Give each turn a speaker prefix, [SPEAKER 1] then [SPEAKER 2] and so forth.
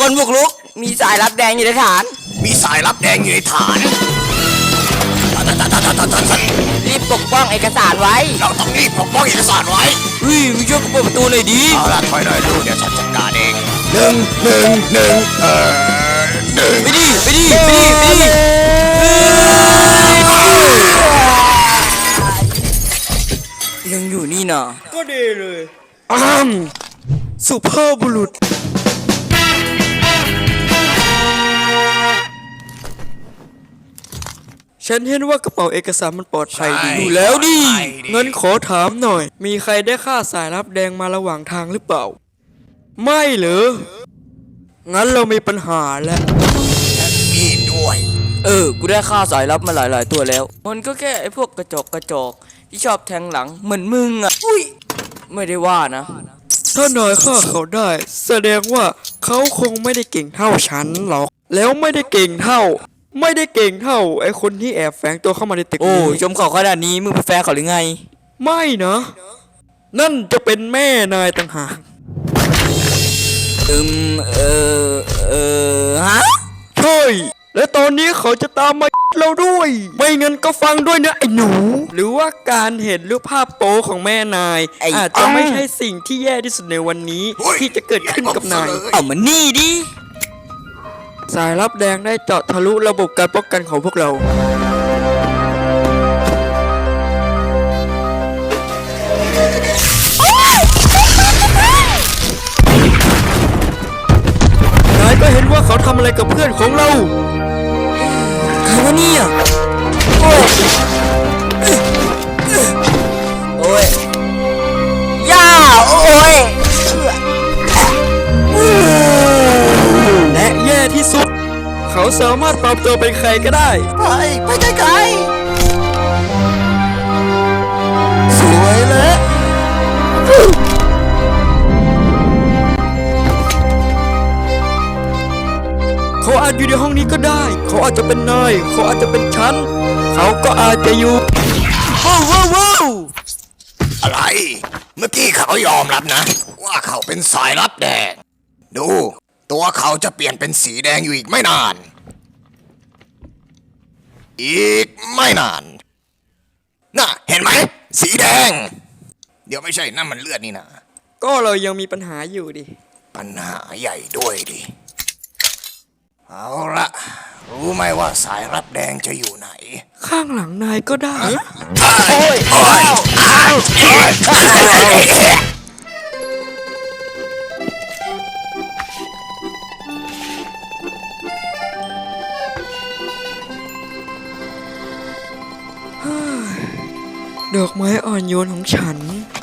[SPEAKER 1] คนบุกรุกมีสายลับแดงอยู่ในฐาน
[SPEAKER 2] มีสายลับแดงอยู่ในฐาน
[SPEAKER 1] รีบปกป้องเอกสารไว้
[SPEAKER 2] เราต้องรีบปกป้องเอกสารไว้
[SPEAKER 1] มึงช่วยกูเปิดประตูหน่อยดิ
[SPEAKER 2] เอาละถอยหน่อยลูกเดี๋ยวฉันจัดการเองหนึ่ง
[SPEAKER 1] ไปดิยังอยู่นี่นะ
[SPEAKER 3] ก็ดีเลยสุภาพบุรุษฉันเห็นว่ากระเป๋าเอกสารมันปลอดภัยดีอยู่แล้วดิงั้นขอถามหน่อยมีใครได้ฆ่าสายลับแดงมาระหว่างทางหรือเปล่าไม่เหรองั้นเรามีปัญหาแล้ว
[SPEAKER 2] มีด้วย
[SPEAKER 1] กูได้ฆ่าสายลับมาหลายตัวแล้วมันก็แค่ไอ้พวกกระจอกที่ชอบแทงหลังเหมือนมึงอ่ะไม่ได้ว่านะ
[SPEAKER 3] ถ้านายฆ่าเขาได้แสดงว่าเขาคงไม่ได้เก่งเท่าฉันหรอกแล้วไม่ได้เก่งเท่าไอ้คนที่แอบแฝงตัวเข้ามาในตึกนี้
[SPEAKER 1] ชมเขาขนาดนี้มึงเป็นแฟนเขาหรือไง
[SPEAKER 3] ไม่นะนั่นจะเป็นแม่นายต่างหาก
[SPEAKER 1] ฮะ
[SPEAKER 3] ใช่และตอนนี้เขาจะตามมาเราด้วยไม่งั้นก็ฟังด้วยนะไอ้หนูหรือว่าการเห็นรูปภาพโป๊ของแม่นายอาจจะไม่ใช่สิ่งที่แย่ที่สุดในวันนี้ที่จะเกิดขึ้นกับนาย
[SPEAKER 1] เอามานี่ดิ
[SPEAKER 3] สายลับแดงได้เจาะทะลุระบบการป้องกันของพวกเรานายก็เห็นว่าเขาทำอะไรกับเพื่อนของเรา
[SPEAKER 1] ใครวะเนี่ยโอ้ยย่าโอ้ย
[SPEAKER 3] และแย่ที่สุดเขาสามารถปรับตัวเป็นใครก็ได้
[SPEAKER 2] ไปไกลๆสวยเลย
[SPEAKER 3] เขาอาจอยู่ในห้องนี้ก็ได้เขาอาจจะเป็นนายเขาอาจจะเป็นฉันเขาก็อาจจะอยู่
[SPEAKER 2] ว้าวอะไรเมื่อกี้เขายอมรับนะว่าเขาเป็นสายลับแดงดูตัวเขาจะเปลี่ยนเป็นสีแดงอยู่อีกไม่นานน่ะเห็นไหมสีแดงเดี๋ยวไม่ใช่นั่นมันเลือดนี่นะ
[SPEAKER 3] ก็เรายังมีปัญหาอยู่ดิ
[SPEAKER 2] ปัญหาใหญ่ด้วยดิเอาละรู้ไหมว่าสายลับแดงจะอยู่ไหน
[SPEAKER 3] ข้างหลังนายก็ได้ดอกไม้อ่อนโยนของฉัน